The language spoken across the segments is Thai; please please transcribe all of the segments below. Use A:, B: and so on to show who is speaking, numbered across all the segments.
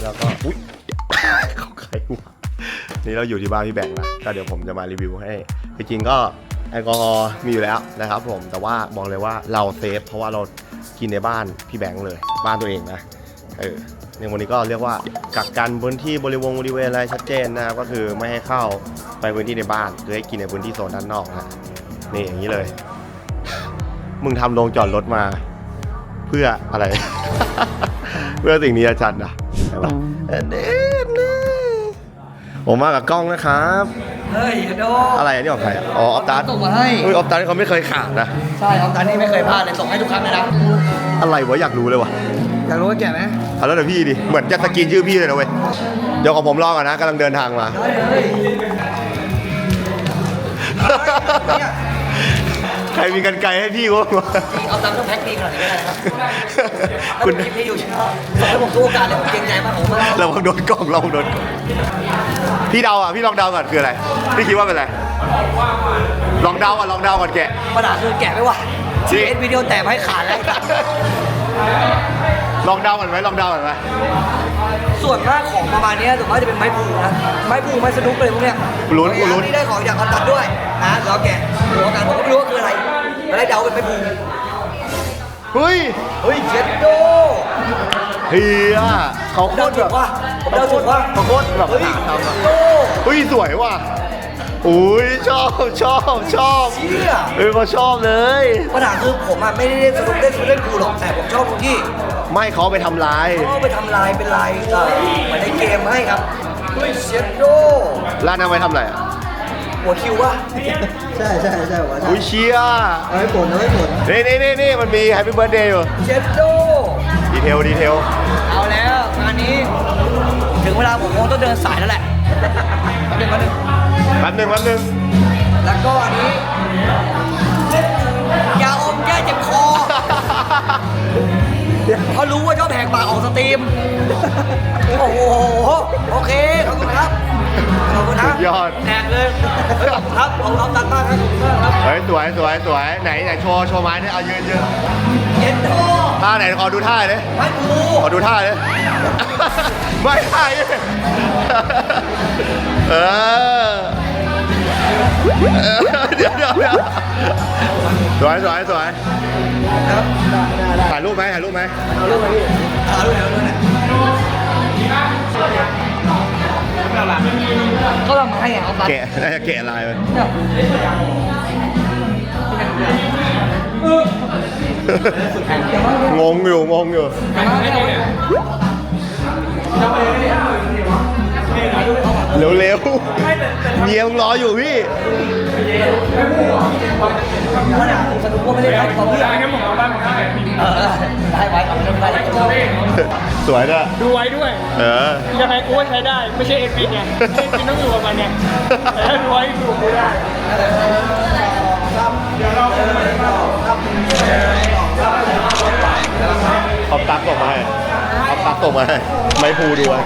A: แล้วก็อุ๊ย เขาใครวะนี่เราอยู่ที่บ้านพี่แบงค์นะก็เดี๋ยวผมจะมารีวิวให้จริงๆก็แอลกอฮอล์มีอยู่แล้วนะครับผมแต่ว่าบอกเลยว่าเราเซฟเพราะว่าเรากินในบ้านพี่แบงค์เลยบ้านตัวเองนะในวันนี้ก็เรียกว่ากักกันพื้นที่บริเวณอะไรชัดเจนนะครับก็คือไม่ให้เข้าไปพื้นที่ในบ้านคือให้กินในพื้นที่โซนด้านนอกนะนี่อย่างนี้เลยมึงทำโรงจอดรถมาเพื่ออะไร เพื่อสิ่งนี้อาจารย์นะใช่ปะผมมากับกล้องนะครับ
B: เฮ้ยโด
A: อะไรนี่ของใครอ๋อออฟตัส
B: ส่งมาให้
A: ออฟตัสเขาไม่เคยขาดนะ
B: ใช่ออฟตัสนี่ไม่เคยพลาดเลยส่งให้ทุกครั้งเลยนะ
A: อะไรวะอยากรู้เลยวะ
B: อยากรู้ว่าแก่ไหม
A: แล้วเดี๋ยวพี่ดิเหมือนจะสกินชื่อพี่เลยนะเว้ยเดี๋ยวของผมรอก่อนนะกำลังเดินทางมาใครมีกันไกลให้พี่วะ
B: เอาตามต้องแพ็คดีขนาดนี้ก็ได้ครับคุณคลิปนี้อยู่ใช่ไหมส่งให้ผมทุกโอกาสเลยผมเกรงใจมากผม
A: เราโดนกล้องเราโดนพี่เดาอ่ะพี่ลองเดาก่อนคืออะไรพี่คิดว่าเป็นอะไรลองเดาก่อนแกะ
B: ปัญหาคือแกะไม่ไหวชีเอ็นวิดีโอแต่ไม่ขาดแล้ว
A: ลองเดาก่อนไหม
B: ส่วนมากของประมาณนี้ส่วนมากจะเป็นไม้พูนะไม้พูไม้สนุกเลยพวกเนี้ย
A: ลุ้น
B: นี่ได้ของจากออฟตัสด้วยนะแล้วแกะหัวกันผมไม่รู้ว่าคืออะไรอะไรเดาเป็นไม้พู
A: เฮ้ย
B: เจ็ดโด
A: เฮียเขาโคตรแบบ
B: เดาถูกว่า
A: เขาโคตรแบบเฮ้ยสวยว่ะอุ้ยชอบ
B: เชี่ย
A: เขาชอบเลย
B: ปัญหาคือผมอ่ะไม่ได้เล่นพูหรอกแต่ผมชอบตรงที่
A: ไม่เขาไปทำลาย
B: เป็นลายเหมือนในเกมให้ครับเชียโด
A: ร้านนั้นไปทำอะไรอ่ะ
B: หัวคิววะใช่หัว
A: อุ้ยเชีย
B: เอาให้ผล
A: นี่มันมี Happy Birthday อยู่
B: เชียโด
A: ดีเทล
B: เอาแล้วงานนี้ถึงเวลาผมคงต้องเดินสายแล้วแหละ
A: แป๊บนึง
B: แล้วก็อันนี้ยาอมแก้เจ็บคอเขารู้ว่าชอบแหกปากออกสตรีมโอ้โหโอเคขอบคุณครับ
A: ยอด
B: แหกเลยครับของเราตัดมากครับ
A: เฮ้ยสวยไหนโชว์ไม้เนี่ยเอายืน
B: เย็นโต
A: ท่าไหนขอดูท่าเลย
B: ไม่ดู
A: ขอดูท่าเลยไม่ท่าเดี๋ยวสวย
B: ครับ
A: ถ่ายรูปไหม
B: พี่ถ่ายรูปไหมก็ทำให้เอาไป
A: น่าจะแกะลายไปงงอยู่เร็วเมียมึงรออยู่พี่
B: สนุกว่าไม่ได้ครับผม
C: ได้แค่ผมเอาบ้านผม
B: ได้ไว้เอาไม่ได้
A: สวยด้วย
C: ดูไว้ด้วยยังไงกูว่าใช้ได้ไม่ใช่เอ็นพีเนี่ยเอ็นพีต้องอยู่กับมันเนี่ยแต่ดูไว้อยู่ไม่ได้
A: เอาตักออกมาให้ไม่พูด้วย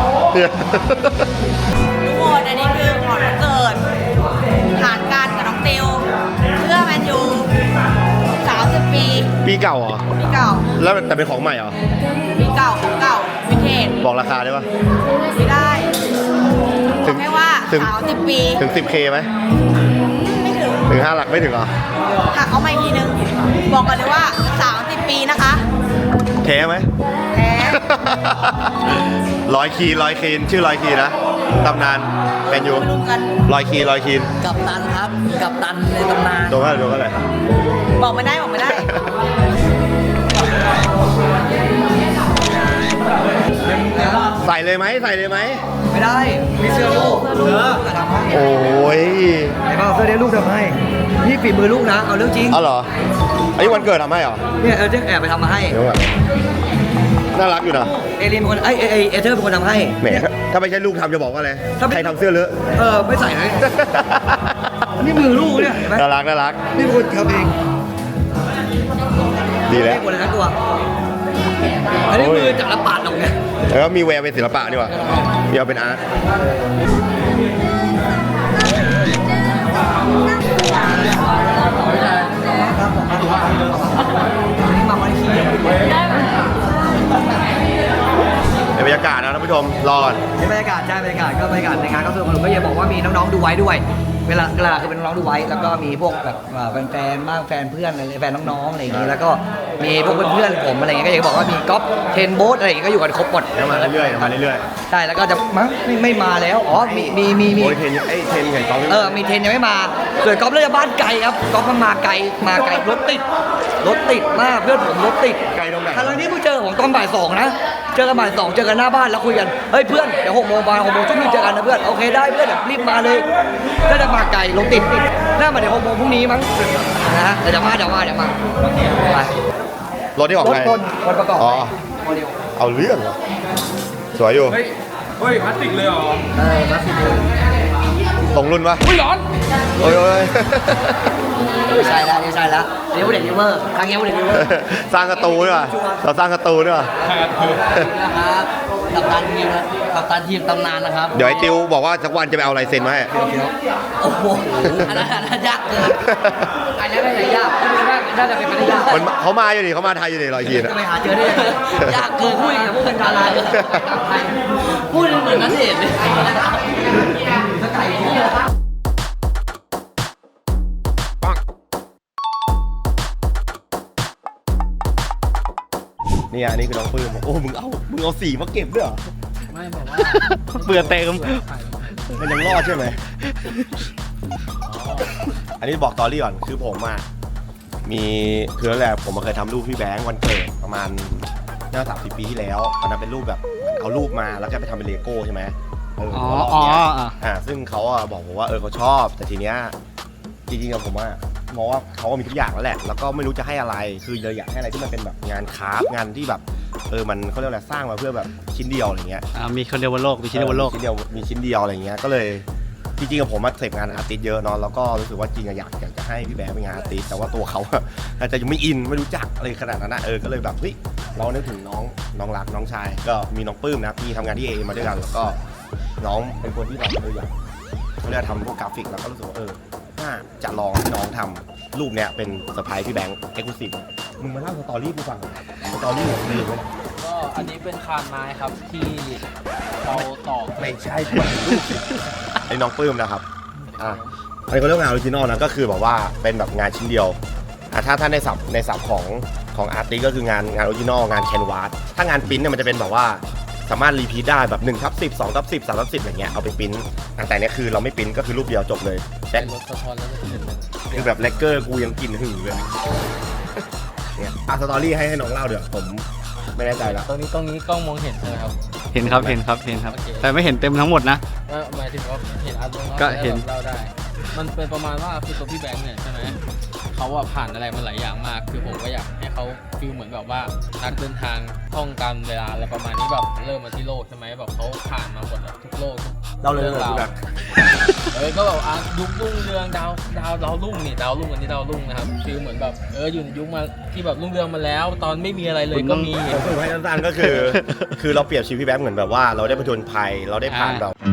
D: ทุกคนอันนี้คือของวันเกิดผ่านกันกับน้องติวเพื่อแมนยู30
A: ปีเก่าเหรอ
D: ปีเก่า
A: แล้วแต่เป็นของใหม่เหรอ
D: ปีเก่าของเก่าวินเทจ
A: บอกราคาได้ปะ
D: ไม่ได้ถึงแค่ว่า30 ปี
A: ถึง 10K ไหม
D: ไม่ถึง
A: 5 หลักไม่ถึงเหรอ
D: หักเอาใหม่ทีนึงบอกกันเลยว่า30 ปีนะคะ
A: แท้ไหม
D: แท้
A: ร้อยคีนชื่อร้อยคีนะตำนานแมนยูร้อยคีน
B: กับตันครับกับตันในตำนาน
A: โดนอะไร
D: บอกไม่ได้
A: ใส่เลยไหม
B: ไม่ได้มีเสื้อลูกทำให้
A: โอ้ย
B: ไอ้บ้าเสื้อเลี้ยงลูกทำให้นี่ฝีมือลูกนะเอาเรื่องจริง
A: เหรอไอ้วันเกิดทำให้เหรอ
B: เนี่ยแอบไปทำมาให้
A: น่ารักอยู่นะ
B: เอลินเป็นคนเอเธอร์เป็นคนทำให้
A: แหมถ้าไม่ใช่ลูกทำจะบอกว่าอะไรใครทำเสื้อเลอะ
B: ไม่ใส่เลยนี่มือลูกเนี่ย
A: น่ารัก
B: นี่เป็นคนทำเอง
A: ดีแล้ว
B: คนละตัวอันนี้มือจับแล้วปาดออกไง
A: แล้วมีแววเป็นศิลปะดีกว่ามีเอาเป็นอาร์ตบรรยากาศนะท่านผู้ชมรอก่อน
B: นี่บรรยากาศใช่บรรยากาศก็บรรยากาศในงานก็สนุกก็ยังบอกว่ามีน้องๆดูไว้ด้วยเวลาคือเป็นน้องๆดูไว้แล้วก็มีพวกแบบแฟนๆบ้างแฟนเพื่อนอะไรแฟนน้องๆอะไรอย่างนี้แล้วก็มีพวกเพื่อนๆผมอะไรอย่างเงี้ยก็อยากจะบอกว่ามีก๊อฟเทนโบ๊ทอะไรอย่างเงี้ยก็อยู่กันครบหมด
A: เดี๋ยวมาเรื่อยๆมาเรื่อย
B: ใช่แล้วก็จะมั้งไม่มาแล้วอ๋อมี
A: ๆโอ้ยเทนเทนไงกอง
B: มีเทนยังไม่มาส่วนก๊อฟเลือกบ้านไกลครับก๊อฟมันมาไกลรถติดมากเพื่อนผมรถติด
A: ไกลตรงไหน
B: ทั้งที่เพิ่งเจอผมตอนบ่าย 2นะเจอกันบ่าย 2เจอกันหน้าบ้านแล้วคุยกันเฮ้ยเพื่อนเดี๋ยว6 โมงบ่าย6 โมงช่วงนี้เจอกันนะเพื่อนโอเคได้เพื่อนเดี๋ยวรีบมาเลยก็จะมาไกลรถติดน่ามาเดี๋ยว6 โมงพรุ่งนี้มั้งนะฮะเดี๋ยวมาไป
A: รถที่ของใคร
B: คนประกอบ
A: อ๋อ
B: โมเดล
A: เอาเรื่องเหรอสวยอยู่
C: เฮ้ยพลาสติกเลยเหรอ
B: มาสิ
A: ตรงรุ่นปะ
C: อุ้ยร้อน
A: โอ้ย
B: ใช่แล้วเดี๋ยวเด็กนิเวอร์ครั้งนี้เด็กนิเวอร์
A: สร้างกระตูด้วยว่ะเราสร้างกระตูด้วยว่ะ
B: นะครับกัปตันทีมตำนานนะครับ
A: เดี๋ยวไอ้ติวบอกว่าสักวันจะไปเอาลายเซ็นมาให้
B: โอ้โหอันนั้นยากเกินอันนั้นไม่ใช่ยากน่าจะเป็นไปได้ยาก
A: มันเขามาอยู่นี่เขามาไทยอยู่นี่รอยยีน
B: จะไปหาเจอได้ยังไงยากเกินพูดอย่างพวกเป็นดาราเลยพูดเหมือนนักเตะเลยสกายเนี่ย
A: นี่อันนี้คือน้องปื้มโอ้มึงเอาสีมาเก็บด้วยเหรอ
C: ไม่บอกว่า
A: เบื่อเต็มมันยังรอดใช่ไหมอันนี้บอกตอรี่ก่อนคือผมอ่ะคือนั่นแหละผมเคยทำรูปพี่แบงค์วันเกิดประมาณน่า30 ปีที่แล้วตอนนั้นเป็นรูปแบบเอารูปมาแล้วก็ไปทำเป็นเลโก้ใช่ไหมซึ่งเขาบอกผมว่าเขาชอบแต่ทีเนี้ยจริงๆกับผมว่ามองว่าเขามีทุกอย่างแล้วแหละแล้วก็ไม่รู้จะให้อะไรคือเลยอยากให้อะไรที่มันเป็นแบบงานคราฟต์งานที่แบบมันเขาเรียกอะไรสร้างมาเพื่อแบบชิ้นเดียวอะไรเงี้ย
E: มีคนเดียวบนโลก มีชิ้นเดียวบนโลก
A: มีชิ้นเดียวอะไรเงี้ยก็เลยจริงๆกับผมมาเสพงานอาร์ติสต์เยอะเนาะแล้วก็รู้สึกว่าจริงอยากจะให้พี่แบงค์เป็นงานอาร์ติสต์แต่ว่าตัวเขาอาจจะยังไม่อินไม่รู้จักอะไรขนาดนั้นนะก็เลยแบบเฮ้ยเรานึกถึงน้องรักน้องชายก็มีน้องปื้มนะพี่ทำงานที่เอมาด้วยกันแล้วก็น้องเป็นคนที่แบบอยากเขาเรียกทำพวกกราฟิกแล้วก็รู้สึกว่าน่าจะลองให้น้องทำรูปเนี้ยเป็นเซอร์ไพรส์พี่แบงค์เอ็กซ์คลูซีฟมึงมาเล่าสตอรี่กูฟังสตอรี่ของมึงเลย
E: ก็อันนี้เป็นคานไม้ครับที่เราตอก
A: ไม่ใช่ไอ้น้องปื้มนะครับอันนี้เขาเรียกงานออริจินอลนะก็คือแบบว่าเป็นแบบงานชิ้นเดียวถ้าในศัพท์ของอาร์ติสก็คืองานออริจินอลงานแคนวาสถ้างานปริ้นเนี่ยมันจะเป็นแบบว่าสามารถรีพีทได้แบบ1/10 2/10 3/10อะไรเงี้ยเอาไปปริ้นแต่เนี้ยคือเราไม่ปริ้นก็คือรูปเดียวจบเลยแต่
E: รถสะท้อนแล้วก็เสร็จเลย
A: คือแบบเลกเกอร์กูยังกินหึ่งเลยเนี่ยสตอรี่ให้น้องเล่าเดี๋ยวผมไม่แน่ใจแล้ว
E: ตรงนี้กล้องมองเห็นใช่ไหมครับ
F: เห็นครับ
E: โอเค
F: แต่ไม่เห็นเต็มทั้งหมดนะ
E: หมายถึงว่าเห็นอาร์ต
F: ก็เห็น
E: เราได้ มันเป็นประมาณว่าคือตัวพี่แบงค์เนี่ยใช่ไหมเขาผ่านอะไรมาหลายอย่างมาก คือผมก็อยากให้เขาฟีลเหมือนแบบว่านักเดินทางท่องการเวลาอะไรประมาณนี้แบบเริ่มมาที่โลกใช่ไหมแบบเขาผ่านมาหมดอะทุกโลกทุก
B: เราเลย
E: องราวก็แบบยุครุ่งเรืองดาวรุ่งนี่ดาวรุ่งอันนี้ดาวรุ่งนะครับฟีลเหมือนแบบอยู่ในยุคมาที่แบบรุ่งเรืองมาแล้ว ตอนไม่มีอะไรเลยก็มี
A: ผมสรุปให้สั้นๆก็คือเราเปรียบชีวิตพี่แบงค์เหมือนแบบว่าเราได้ผจญภัยเราได้ผ่านแบบ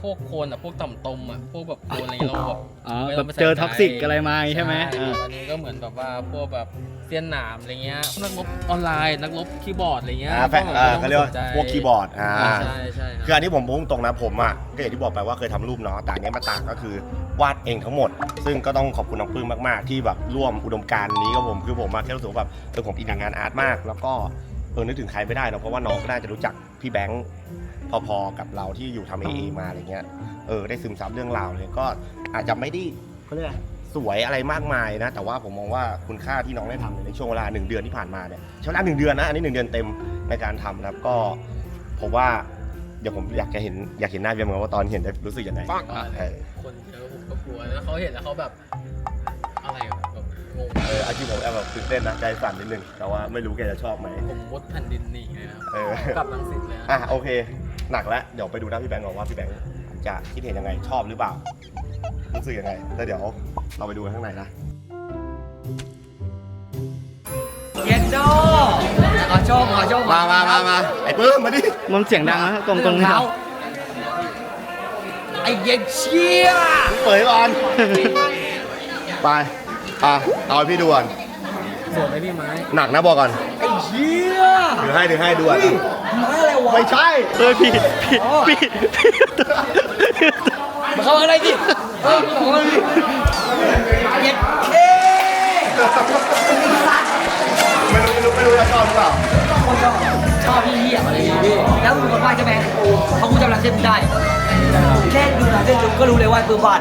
E: พวกโคลนอะพวกต่ำตมอะพวกแบบโคลนอะไรเราแบบ
F: อ๋อ
E: ไม่
F: แบ
E: ต้ง
F: บ
E: ไปใส่
F: เจอ
E: ใจ
F: ท็อกซิกอะไรมาใช่ไหม
E: วันนี้ก็เหมือนแบบว่าพวกแบบเสี้ยนหนามอะไรเงี้ยนักรบออนไลน์นักรบคีย์บอร์ดอะไรเงี้ย
A: แฟนเขาเรียกว่าพวกคีย์บอร์ด
E: ใช่ใช่
A: คืออันนี้ผมพุ่งตรงนะผมอ่ะก็อย่างที่บอกไปว่าเคยทำรูปเนาะแต่อันเนี้ยมาต่างก็คือวาดเองทั้งหมด ซึ่งก็ต้องขอบคุณน้องปลื้มมากๆที่แบบร่วมอุดมการณ์นี้กับผมคือผมมาแค่รู้สึกว่าแบบผมอินกับงานอาร์ตมาก แล้วก็นึกถึงใครไม่ได้เนอะเพราะว่าน้องก็น่าจะรู้จักพี่แบงค์พอๆกับเราที่อยู่ทำเอมาอะไรเงี้ยได้ซึมซับเรื่องราวเลยก็อาจจะไม่ได้เขาเรียกอะไรสวยอะไรมากมายนะแต่ว่าผมมองว่าคุณค่าที่น้องได้ทำในช่วงเวลา1 เดือนที่ผ่านมาเนี่ยใช้เวลา1 เดือนนะอันนี้1 เดือนเต็มในการทำนะครับก็ผมว่าเดี๋ยวผมอยากเห็นหน้าเบียร์เหมือนกันว่าตอนเห็นจะรู้สึกยังไง
E: คนเยอะผมก็กลัวแล้วเขาเห็นแล้วเขาแบบอะไรแบบงง
A: อาชีพผมแอบแบบตื่นเต้นนะใจสั่นนิดนึงแต่ว่าไม่รู้แกจะชอบไหม
E: ผมมุดแผ่นดินหนีเลยนะ กลับลังสิตเลยนะ
A: โอเคหนักแล้วเดี๋ยวไปดูหน้าพี่แบงค์ก่อนว่าพี่แบงค์จะคิดเห็นยังไงชอบหรือเปล่ารู้สึกยังไงแล้วเดี๋ยวเราไปดูกันข้างในนะ
B: เย็นโดขอโชค
A: มาไอ้ปื้มมาดิ
F: มันเสียงดังนะตรงนี้
B: เท้าไอ้เย็นเชี่ย
A: เปิดก่อน ไปเอาให้พี่ดูก่อน
E: สวยไหมพี่ไม้
A: หนักนะบอกก่อน
B: ไอ้เชี่ย
A: ถือให้ดูก่อน
B: มาอะไรวะ
A: ไม่ใช่
F: พี่
B: มาเข้ามาอะไรดิเข้ามาดิเย็นเ
A: ไม่รู้จะชอบหรือเปล่า
B: ชอบพี่เหี้ยอะไรอย่างงี้แล้วมึงคนวาดใช่ไหมเขากูจำลายเส้นได้แค่ดูลายเส้นดูก็รู้เลยว่าปืนวาด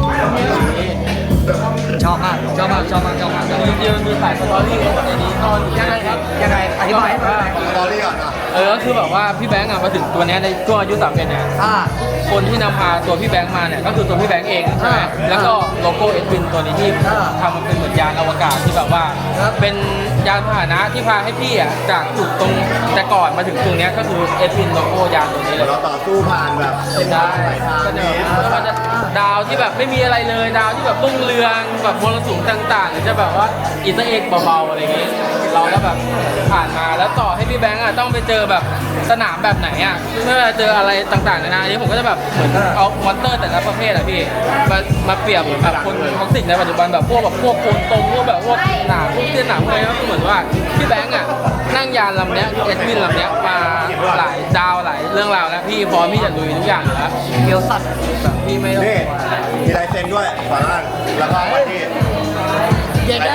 B: ชอบมาก
E: จริงๆมีสายสตอรี่ในนี้ตอนยังไงครับ
B: ยังไงอธิบายให้ฟังหน่อย
A: สตอรี่ก่อนนะ
E: ก็คือแบบว่าพี่แบงค์มาถึงตัวเนี้ยในช่วงอายุ31เนี่ย คนที่นำพาตัวพี่แบงค์มาเนี่ยก็คือตัวพี่แบงค์เองใช่ไหมแล้วก็โลโก้เอ็ดวินตัวนี้ที่ทำมันเป็นเหมือนยานอวกาศที่แบบว่าเป็นยานพาหนะที่พาให้พี่อ่ะจากจุดตรงแต่ก่อนมาถึงตรงเนี้ยก็คือเอ็ดวินโลโก้ยานตัวนี้เลย
A: เราต่อสู้ผ่านแบบ
E: ได้ก็จะมันจะดาวที่แบบไม่มีอะไรเลยดาวที่แบบรุ่งเรืองแบบมรสุมต่างๆหรือจะแบบว่าอินเตอร์เอ็กเบาๆอะไรอย่างงี้เราก็แบบผ่านมาแล้วต่อให้พี่แบงค์อ่ะต้องไปเจอแบบสนามแบบไหนอ่ะไม่ว่าจะเจออะไรต่างๆนานาอันนี้ผมก็จะแบบเหมือนเอามอนเตอร์แต่ละประเภทอ่ะพี่มาเปรียบแบบคนท็อกซิกในปัจจุบันแบบพวกโคนตรงพวกแบบพวกหนามพวกเส้นหนามอะไรก็คือเหมือนว่าพี่แบงค์อ่ะนั่งยานลำเนี้ยเอ็ดวินลำเนี้ยมาหลายดาวหลายเรื่องราวแล้วพี่พร้อมที่จะลุยทุกอย่างอยู่แล้ว
B: เกียวสัตว์
E: แบบพี่ไม่ต้อง
A: นี่มีลายเซ็นด้วยฝาล่างแล้วก็ที่
B: เย็นโด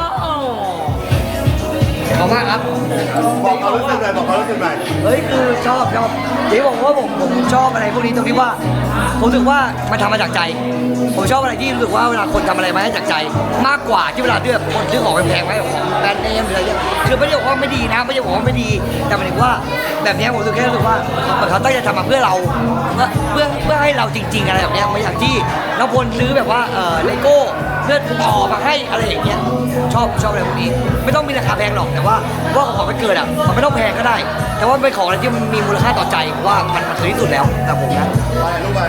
B: ขอบคุณมากครับ
A: บอกเขารู้สึกหน่อย
B: เฮ้ยคือชอบเดี๋ยวบอกว่าผมชอบอะไรพวกนี้ตรงที่ว่าผมรู้สึกว่ามันทำมาจากใจ ผมชอบอะไรที่รู้สึกว่าเวลาคนทำอะไรมาให้จากใจ มากกว่าที่เวลาเลือกคนซื้อของแพงๆไว้ของแบรนด์เนมหรืออะไรเนี่ยคือไม่ได้บอกว่าไม่ดีนะไม่ได้บอกว่าไม่ดีแต่หมายถึงว่าแบบนี้ผมรู้สึกแค่รู้สึกว่าเขาตั้งใจทำมาเพื่อเราเพื่อให้เราจริง ๆอะไรแบบนี้ไม่อย่างที่น้องพลซื้อแบบว่าเลโก้เพื่อต่อมาให้อะไรอย่างเงี้ยชอบอะไรพวกนี้ไม่ต้องมีราคาแพงหรอกแต่ว่าของมันเกิดอ่ะมันไม่ต้องแพงก็ได้ แต่ว่าเป็นของอะไรที่มันมีมูลค่าต่อใจว่ามันคือที่สุดแล้วแต่ผมนะ
A: ไปรูปไป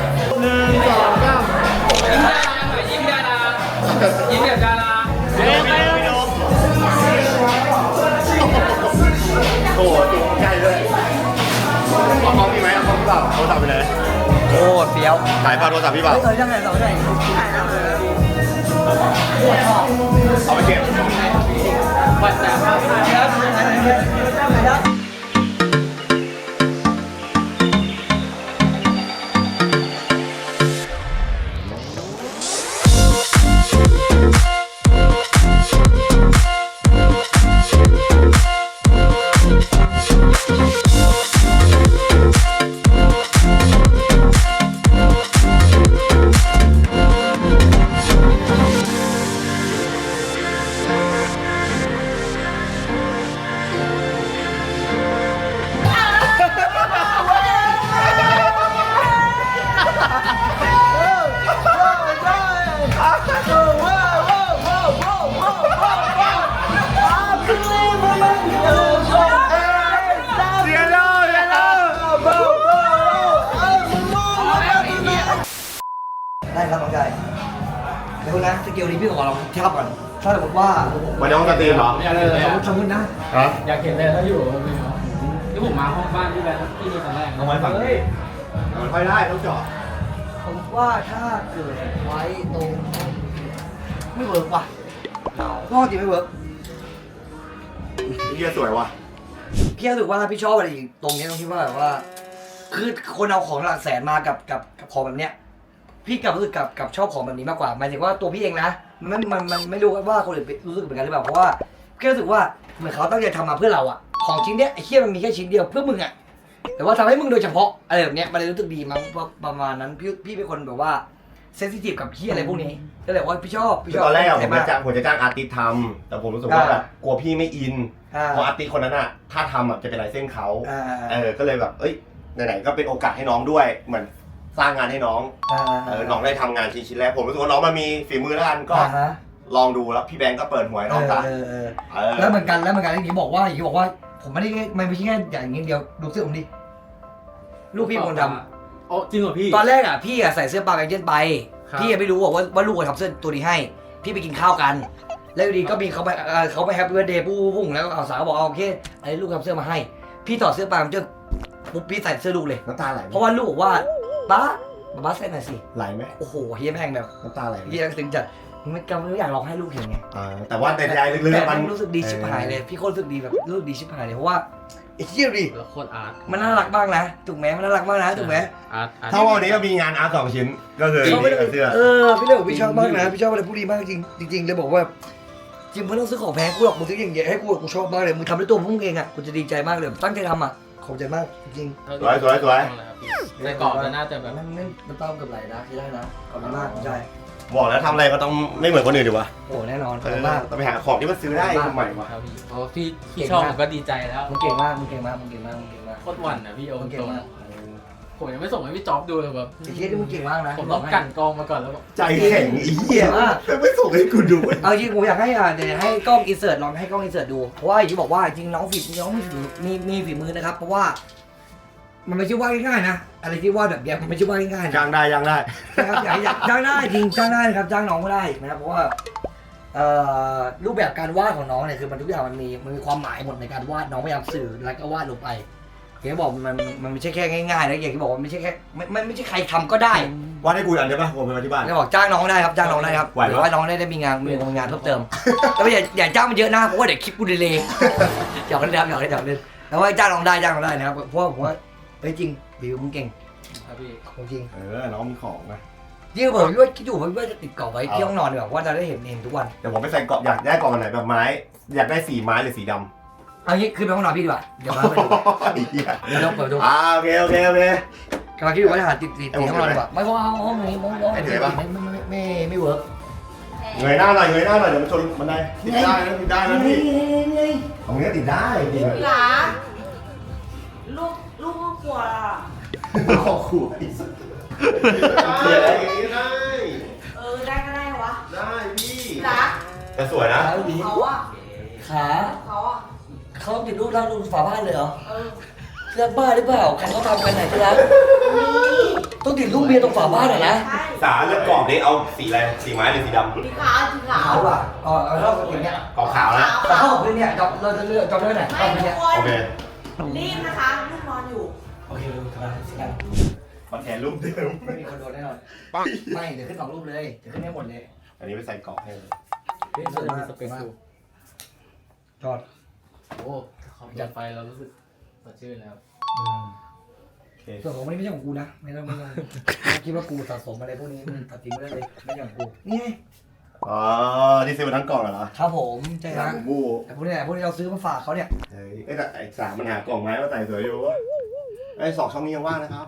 E: ยิ้มดารายิ้มแบบดารา
A: โอ้โหจุกใกล้เลยเอาเขาพี่ไหมเอาเขาพี่เปล่าโทรศัพท์ไปเลย
B: โอ้เฟี้ยว
A: ถ่ายภาพโทรศัพท์พี่เปล่า
B: เฮ้ยยังไงต่อได้
A: เอาไปเก็บ
E: วัดแต่
B: ได้ครับน้องชายเดี๋ยวนะสกิลนี้พี่ขอลองเทียบก่อนถ้าสมมติว่า
A: วันนี้ห้องสตรีมเหรอ
B: สมมตินะ
A: ฮะ
E: อยากเห็นเลยถ้าอยู่ที่ผมมาห้องบ้านพี่แบงค์ที่นี่ครั้งแรก
A: เอาไว้ฝั่งนี้มันค่อยได้ต้องเจาะ
B: ผมว่าถ้าเกิดไว้ตรงไม่เวิร์กว่ะก็จริงไม่เวิร์ก
A: เฮียสวยว่ะ
B: พี่รู้สึกว่าพี่ชอบอะไรอีกตรงนี้ตรงที่ว่าแบบว่า คือคนเอาของหลักแสนมากับของแบบเนี้ยพี่กลับรู้สึกกับชอบของแบบนี้มากกว่าหมายถึงว่าตัวพี่เองนะมันไม่รู้ว่าคนอื่นรู้สึกเหมือนกันหรือเปล่าเพราะว่าพี่รู้สึกว่าเหมือนเขาตั้งใจทำมาเพื่อเราอะของชิ้นเนี้ยไอ้เหี้ยมันมีแค่ชิ้นเดียวเพื่อมึงอะแต่ว่าทำให้มึงโดยเฉพาะอะไรแบบเนี้ยมันเลยรู้สึกดีมั้งประมาณนั้นพี่เป็นคนแบบว่าเซนซิทีฟกับที่อะไรพวกนี้ก็เลยว่าพี่ชอบ
A: คือตอนแรกอะผม
B: มา
A: จะจ้างอาร์ติสต์ทำแต่ผมรู้สึกว่าแบบกลัวพี่ไม่อินเพราะอาร์ติสต์คนนั้นอะถ้าทำอะจะเป็นลายเส้นเขาก็เลยแบบไหนๆก็เป็นโอกาสให้น้องด้วยเหมือนสร้างงานให้น้องน้องได้ทำงานชิ้นแรกผมรู้สึกว่าน้องมันมีฝีมือแล้วกันก็ลองดูแล้วพี่แบงก์ก็เปิดหัวให้น้องซะ
B: แล้วเหมือนกันอย่างนี้บอกว่าผมไม่ได้ไม่ใช่แค่อย่างนี้เดียวดูเสื้อผมดิลูกพี่คนทำ
E: อ๋อจริงเหรอพี่
B: ตอนแรกอ่ะพี่อ่ะใส่เสื้อปลาแบงเจนไป
E: ครับ
B: พี่ยังไม่รู้ว่าลูกทำเสื้อตัวนี้ให้ พี่ไปกินข้าวกัน แล้วอยู่ดีก็มีเขาไปแฮปปี้เบิร์ธเดย์ปุ้งแล้วสาวบอกโอเคไอ้ลูกทำเสื้อมาให้ พี่ถอดเสื้อปลาแบงเจนปุ๊บพี่ใส่เสื้อลูกเลย
A: น้ำตาไหล
B: เพราะว่าลูกบอกว่าป้าใส่หน่อยสิ
A: ไหลไหม
B: โอ้โหเฮียแม่งแบบ
A: น้ำตาไหลไหม
B: เฮียซึ้งจัดไม่อยากร้องให้ลูกเห็นไง
A: แต่ว่าแต่ใจลึก
B: แต่
A: ๆ
B: มั
A: มัน น
B: รู้สึกดีชิบหายเลยพี่โคตรรู้สึกดีแบบรู้สึกดีชิบหายเลยเพราะว่าไอ้เหี้ยดิ
E: แล้วโคตรอาร์ต
B: มันน่ารักมากนะถูกไหมมันน่ารักมากนะถูกไหม
E: อาร์ต
A: ถ้าวันนี้ก็มีงานอาร์ต2 ชิ้นก็คือนี่กับเสื้อ
B: พี่เลยบอกพี่ชอบมากนะพี่ชอบอะไรพวกนี้มากจริงเลยบอกว่าจริงมึงต้องซื้อของแพงกูหรอกมึงซื้ออย่างเงี้ยให้กูชอบมากเลยมึงทำด้วยตัวมึงเองอ่ะกูจะดีใจมากเลยตั้งใจทำอ่ะขอบใจมากจริง
A: สวย
E: ในกรอบมันน่าจะแบบ
B: มันต้องกับไหลนะใช่ได้นะขอบคุณมากใช่
A: บอกแล้วทำอะไรก็ต้องไม่เหมือนคนอื่นดีวะ
B: โอ้แน่นอนขอบคุณมาก
A: ต้องไปหาของที่มันซื้อได้ใหม่ว่ะ
E: ครับพี่เพราะพี่ชอบผมก็ดีใจแล้ว
B: มึงเก่งมาก
E: โคตรหวั่นนะพี่โอ
B: มึงเก่
E: ต
B: ง
E: รง
B: มาก
E: ผมยังไม่ส่งให้พี่จ๊อบดูเลยแบบ
B: ไอ้เหี้ยที่มึงเก่งมากนะ
E: ผมต้องกั่นกรองมาก่อนแล้วก็
A: ใจแข็งอีเหี้ยไม่ส่งให้กูดู
B: เอาจริงผมอยากให้เดี๋ยวให้กล้องอินเสิร์ตลองให้กล้องอินเสิร์ตดูเพราะว่าอย่างที่บอกว่าจริงน้องมีฝีมือนะครับเพราะว่ามันไม่ใช่ว่าง่ายๆนะอะไรที่ว่าแบบเนี้ยมันไม่ใช่ว่าง่ายๆนะ
A: จ้างได้
B: นะครับอยากจ้างได้จริงจ้างได้นะครับจ้างน้องก็ได้นะครับเพราะว่ารูปแบบการวาดของน้องเนี่ยคือมันทุกอย่างมันมีความหมายหมดในการวาดน้องพยายามสื่อแล้วก็วาดลงไปอย่างที่บอกมันไม่ใช่แค่ง่ายๆนะอย่างที่บอกว่าไม่ใช่แค่ไม่ใช่ใครทำก็ได้
A: ว่าให้กูอันได้ป่ะผมไปมาที่บ้าน
B: จะบอกจ้างน้องได้ครับจ้างน้องได้ครับ
A: ไหวไหม
B: หรือว่าน้องได้มีงานเพิ่มเติมแต่ว่าอย่าจ้างมันเยอะนะเพราะว่าเดี๋ยวคลิปกูดีเลยหยอกเล่นครับหยอกเล่นแต่ว่าจ้างน้องได้นะครับเพราะว่าผมว่าเฮ้ยจริงบิวมึงเก่ง
E: ครับพี่
B: จริง
A: น้องมีของนะ
B: ยิ่งผมว่าคิดอยู่ผมว่าจะติดกรอบไว้ที่ห้องนอนดีกว่าว่าจะได้เห็นทุกวัน
A: เดี๋ยวผมไปใส่กรอบอยากได้กรอบอันไหนแบบไม้อยากได้สีไม้หรือสีดำ
B: เอางี้ขึ้นไปห้องนอนพี่ดีกว่าเดี๋ยวมาไปดู
A: ไอ้เหี้ย
B: เดี๋ยวเราเปิดดู
A: โอเค
B: กำลังคิดอยู่ว่าจะหาติดห้องนอนดีกว่าไม่เพราะว่าห้องนี้ไม่เวิร์ก
A: เงยหน้าหน่อยเดี๋ยวมันชนบันไดติดได้นะพี่ของนี้ติดได้จริง
D: หลาลูกห้องครัวล่ะ
A: ขอขู่ไอ้สัสอะไรอย่างนี้ได้
D: ได้ก็ได้วะ
A: ได้พี่
D: หลา
A: แต่สวยนะ
D: เขาอะ
B: ขา
D: เขาอะ
B: เขาติดรูปร่างรูปฝาบ้านเลยเหรอ
D: เออ
B: เสื้อบ้าหรือเปล่าใครเขาทำกันไหนที่รักต้องติดรูปเมียตรงฝาบ้านเหรอนะ
D: ใช่
A: สารแล้วกรอบนี้เอาสีอะไรสีไม้หรือสีดำ
D: สีขาวสีขาว
B: เขาอ่ะเอาเท่ากับอย่างเงี้ย
A: กรอบขาวนะ
B: แต่เข้ากับพื้นเนี่ยเราจะเลือกจำได้ไหน
D: ไม่
B: เข้าพื้น
D: ทุ
B: เนี่ย
D: กคนรีบนะคะลูกนอนอยู่
B: โอเคดูกันสิกัน
A: มาแทนรูปเดิม
B: ไม่มีคนโดนแน่นอนไม่เดี๋ยวขึ้น2รูปเลยเดี๋ยวขึ้นให้หมดเลย
A: อันนี้ไปใส่กรอบให้เลย
B: เฮ้ยสวยมาก
E: สเปคดู
B: จอด
E: โอ้ขอบจัดไฟเรารู้สึกสดชื่นแล้ว
B: ส่วนของมันนี่ไม่ใช่ของกูนะไม่ต้องคิดว่ากูสะสมอะไรพวกนี้มันตัดทิ้งไม่ได้เลยไม่ใช่ของกูนี่ไง
A: อ๋อที่ซื้อมาทั้งกล่องเหรอ
B: ครับผมใช่
A: สา
B: ฮะ
A: มบู
B: แต่พวกนี้เราซื้อมาฝากเขาเนี่ย
A: เฮ้ยแต่ไอ้สามมันหากล่องไม้มาใส่สวยอยู่ไอ้2 ช่องนี้ยังว่างนะครับ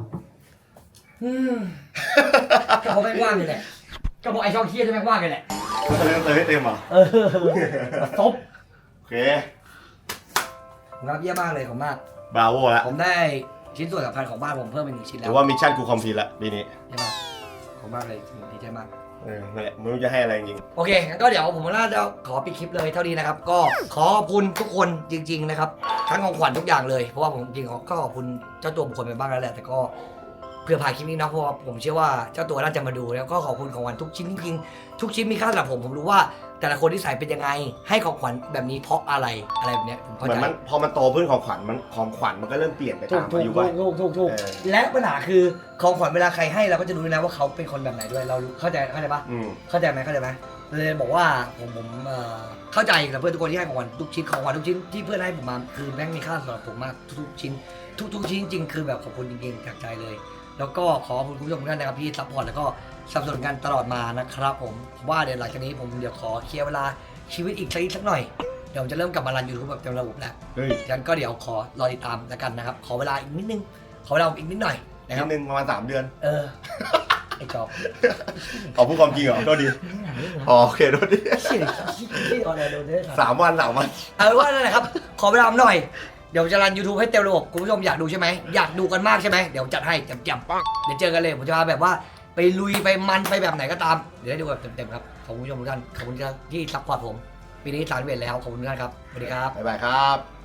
B: ก็เขาไม่ว่างเลยแหละก็บอกไอ้ช่องเคียจะไม่ว่างเลยแหละ
A: เขาจะเล่นเติมให้เต็มเหรอ
B: ซบ
A: โอเค
B: ผมรับเยี่ยมมากเลยขอบมาก
A: บราโวแล้ว
B: ผมได้ชิ้นส่วนสำคัญของบ้านผมเพิ่มเป็น1 ชิ้นแล้
A: ถื
B: ว
A: อว่ามิชชั่นกูคอมพลีทละปีนี้
B: ใช่ไหมขอบมากเลยดีใจมาก
A: นั่นแหละไม่รู้จะให้อะไรจริง
B: โอเคงั้นก็เดี๋ยวผมน่าจะขอปิดคลิปเลยเท่านี้นะครับ ก็ขอขอบคุณทุกคนจริง ๆนะครับ ทั้งของขวัญทุกอย่างเลย เพราะว่าผมจริงๆก็ขอบคุณเจ้าตัวบุคคลไปบ้างแล้วแหละ แต่ก็ผื่อผ่านคลิปนี้นะเพราะว่าผมเชื่อว่าเจ้าตัวน่าจะมาดูแล้วก็ขอบคุณของขวัญทุกชิ้นจริงๆทุกชิ้นมีค่าสำหรับผมรู้ว่าแต่ละคนที่ใส่เป็นยังไงให้ของขวัญแบบนี้เพราะอะไรแบบเนี้ยผมเข้า
A: เหมือ
B: ใจ
A: นมันพอมันโตขึ้นของขวัญมันก็เริ่มเปลี่ยนไป
B: ถู
A: ตาก ม
B: ถูก
A: อายุ
B: ถู
A: วั
B: ก
A: ย
B: ถูก
A: เออ
B: และปัญหาคือของขวัญเวลาใครให้เราก็จะรู้นะว่าเขาเป็นคนแบบไหนด้วยเรารู้เข้าใจปะ เข้าใจไหมเลยบอกว่าผมเข้าใจกับเพื่อนทุกคนที่ให้ของขวัญทุกชิ้นของขวัญทุกชิ้นที่เพื่อนให้ผมมาคือแม่งมีค่าสำหรับผมมากทุกชิ้นทุกชิ้นจริงๆคือแบบขอบคุณจริงๆจากใจเลยแล้วก็ขอขอบคุณคุณผู้ชมทุกท่านนะครับที่ซัพพอร์ตแล้วก็สนับสนุนกันตลอดมานะครับผมว่าเดี๋ยวหลังจากนี้ผมเดี๋ยวขอเคลียร์เวลาชีวิตอีกสักหน่อยเดี๋ยวผมจะเริ่มกลับมารันยูทูบแบบเต็มระบบแล้ว
A: เฮ้ย
B: ฉะนั้นก็เดี๋ยวขอรอติดตามแล้วกันนะครับขอเวลาอีกนิดนึงขอเวลาอีกนิดหน่อยนะค
A: นิ
B: รับ
A: ดนึงประมาณ3 เดือน
B: ไอ้จอบ
A: ขอพูดความจริงเหรอโทษดีอ๋อโอเคโทษดี
B: เชี่ยที่ออนไลน์โดนได้ครับ
A: 3 วัน
B: เอาเป็นว่านั่นแหละครับ ขอเวลาหน่อย เดี๋ยวจะรัน YouTube ให้เต็มระบบคุณผู้ชมอยากดูใช่ไหมอยากดูกันมากใช่ไหมเดี๋ยวจัดให้แจ่มๆเดี๋ยวเจอกันเลยผมจะมาแบบว่าไปลุยไปมันไปแบบไหนก็ตามเดี๋ยวได้ดูแบบเต็มๆครับขอบคุณผู้ชมทุกท่านขอบคุณที่ซัพพอร์ตผมปีนี้31แล้วขอบคุณทุกท่านครับสวัสดีครับ
A: บ๊ายบายครับ